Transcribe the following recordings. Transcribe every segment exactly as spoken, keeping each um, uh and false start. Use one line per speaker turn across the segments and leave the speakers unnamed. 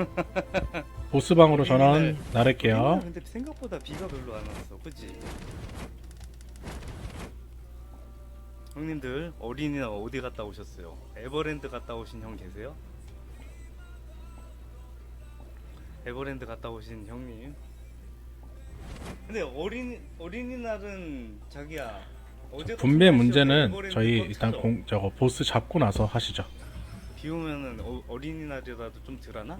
보스방으로 전원 나를게요.
근데 생각보다 비가 별로 안 왔어, 그치? 형님들 어린이날 어디 갔다 오셨어요? 에버랜드 갔다 오신 형 계세요? 에버랜드 갔다 오신 형님. 근데 어린 어린이날은 자기야 어제
분배 문제는 저희 일단 공 저거 보스 잡고 나서 하시죠.
비 오면은 어, 어린이날이라도 좀 덜하나?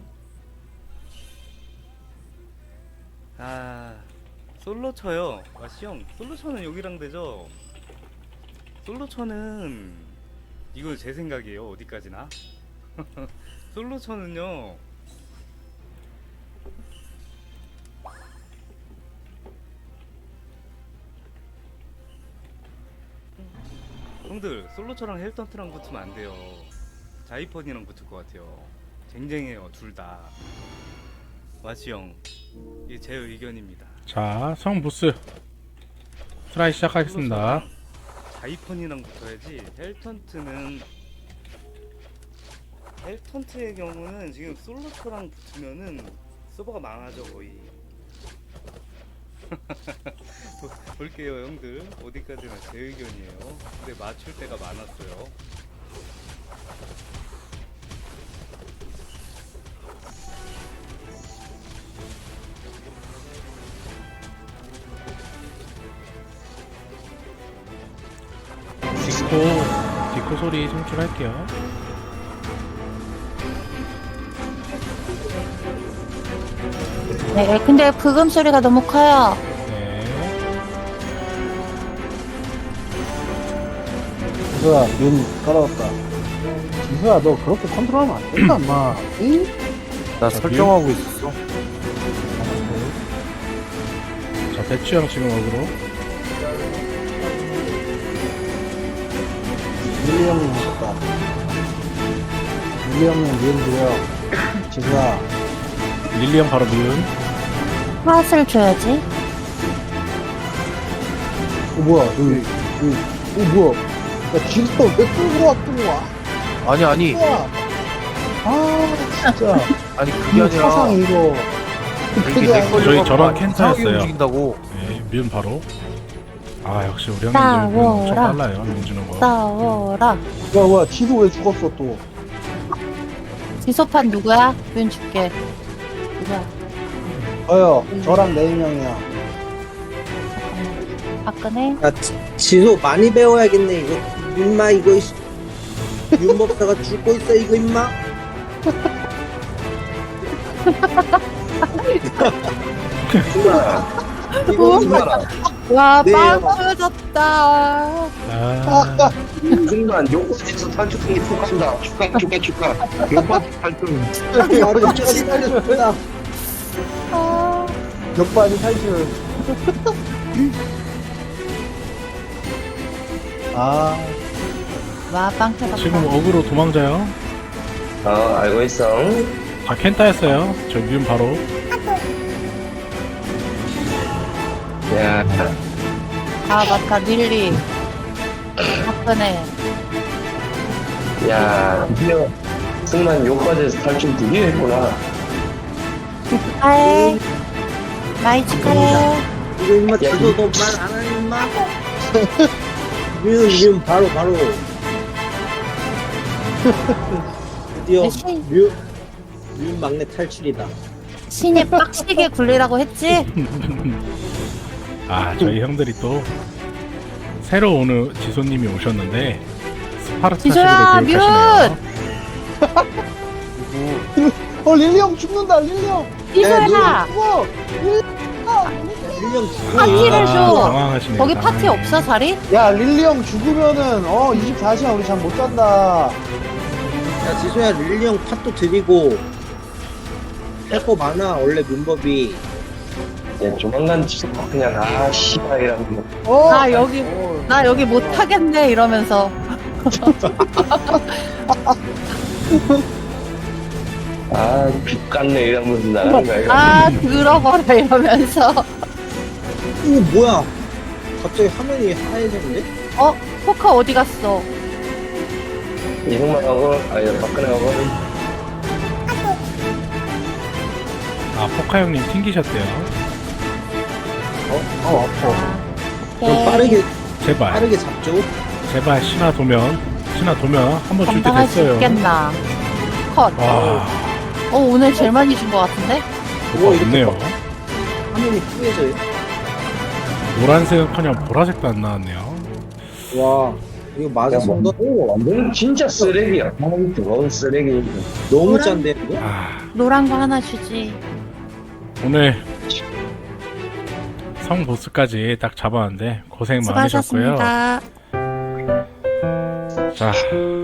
아 솔로 쳐요. 아시 형 솔로 쳐는 여기랑 되죠? 솔로 쳐는 이거 제 생각이에요. 어디까지나 솔로 쳐는요 형들 솔로처랑 헬턴트랑 붙으면 안 돼요. 자이펀이랑 붙을 것 같아요. 쟁쟁해요 둘다. 와시 형 이게 제 의견입니다.
자, 성 보스 트라이 시작하겠습니다.
자이펀이랑 붙어야지. 헬턴트는 헬턴트의 경우는 지금 솔로처랑 붙으면은 서버가 망하죠 거의. 볼게요 형들 어디까지나 제 의견이에요. 근데 맞출 때가 많았어요.
디코 디코 소리 송출할게요.
네, 근데 브금 소리가 너무 커요.
네.
지수야, 눈 깔아왔다. 지수야, 너 그렇게 컨트롤하면 안 된다, 엄마. 응?
나 설정하고 있었어.
자, 대추형 지금 어그로.
릴리 형님 오셨다. 릴리 형님 미움 드려. 지수야,
릴리 형 바로 미운.
핫을 줘야지.
어, 뭐야, 여기, 여기, 어, 뭐야. 야, 지수 왜 끌고 왔던 거야?
아니 아니
야 아, 진짜.
아니 그게
이
아니라
사상 이거.
이게
그게
내
아니라.
걸로
저희 저런
이상하게
캔터였어요.
움직인다고.
네, 미운 바로. 아, 역시 우리 형님들 미운 엄청
싸워라.
빨라요. 미운 주는 거.
싸워라.
뭐야, 뭐야, 지수 왜 죽었어, 또?
지소판 누구야? 면 줄게. 누구야?
저요, 저랑 네 명이요.
박근혜?
야, 지- 지소 많이 배워야겠네, 이거. 임마, 이거, 이씨. 윤법사가 죽고 있어, 이거, 임마. 이거, 임마.
와,
네.
빵 터졌다.
아,
순간 요거지에서 탈출이 톡한다. 축하 축하 축하. 요거지 탈출.
바로 역반이 탈출했다.
아,
역반이 탈출. 아,
와, 빵 터졌다.
지금 어그로 도망자요.
어 알고 있어.
자, 캔타였어요. 저 미운 바로.
야
아, 맞다. 릴리. 박근혜.
야 드디어 순간 요거지에서 탈출 드디어 했구나.
축하해. 많이 축하해.
이거, 임마, 지소 너 말 안 하니, 임마? 윤, 윤, 바로, 바로. 드디어,
네, 신-
윤, 윤 막내 탈출이다.
신이 빡시게 굴리라고 했지?
아, 저희 형들이 또 새로 오는 지소님이 오셨는데 스파르타식으로
지소야,
교육하시네요.
어, 릴리 형 죽는다, 릴리 형.
지소야,
죽어.
윤 형, 죽어.
파티를
아,
줘.
당황하시네요.
거기 파티
당황해.
없어, 자리?
야, 릴리 형 죽으면은, 어, 이십사 시간 우리 잠 못 잔다.
야, 지소야, 릴리 형 팥도 드리고. 할 거 많아, 원래 문법이.
야 조만간 진짜 그냥 아 씨발이라고.
어?
나 여기,
어,
나 여기 못하겠네, 이러면서.
아 빗갔네 이러면서 나가는 거야. 이거.
아, 들어버려, 이러면서.
오, 뭐야. 갑자기 화면이 하얘졌는데?
어? 포카 어디 갔어?
이승만하고 아니 박근혜하고
아 포카 형님 튕기셨대요.
어, 어, 아파.
그럼 빠르게
제발
빠르게 잡죠.
제발 신화 도면 신화 도면 한 번 줄 때
감당할 수
됐어요.
있겠나. 컷.
와
어, 오늘 제일 많이 준 것 같은데?
뭐가 없네요.
화면이 뿌얘져요.
노란색은커녕 보라색도 안 나왔네요.
와 이거 맞아 손도
완전 진짜 쓰레기야. 너무 더러운 쓰레기.
너무 짠데 이거?
아
노란 거 하나 주지.
오늘 성 보스까지 딱 잡았는데 고생 많으셨고요.
수고하셨습니다.
자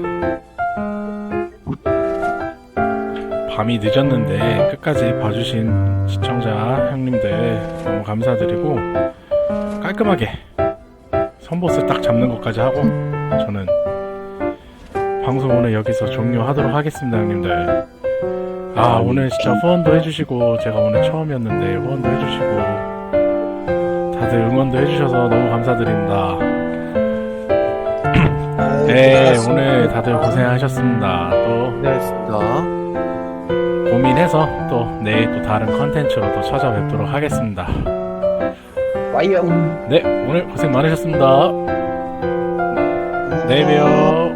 밤이 늦었는데 끝까지 봐주신 시청자 형님들 너무 감사드리고 깔끔하게 선보스 딱 잡는 것까지 하고 저는 방송 오늘 여기서 종료하도록 하겠습니다 형님들. 아 오늘 진짜 후원도 해주시고 제가 오늘 처음이었는데 후원도 해주시고 다들 응원도 해주셔서 너무 감사드립니다.
아유,
네
고생하셨습니다.
오늘 다들 고생하셨습니다. 또
고생하셨습니다.
고민해서 또 내일 또 다른 컨텐츠로 또 찾아뵙도록 하겠습니다.
와이영.
네 오늘 고생 많으셨습니다. 내일 봬요.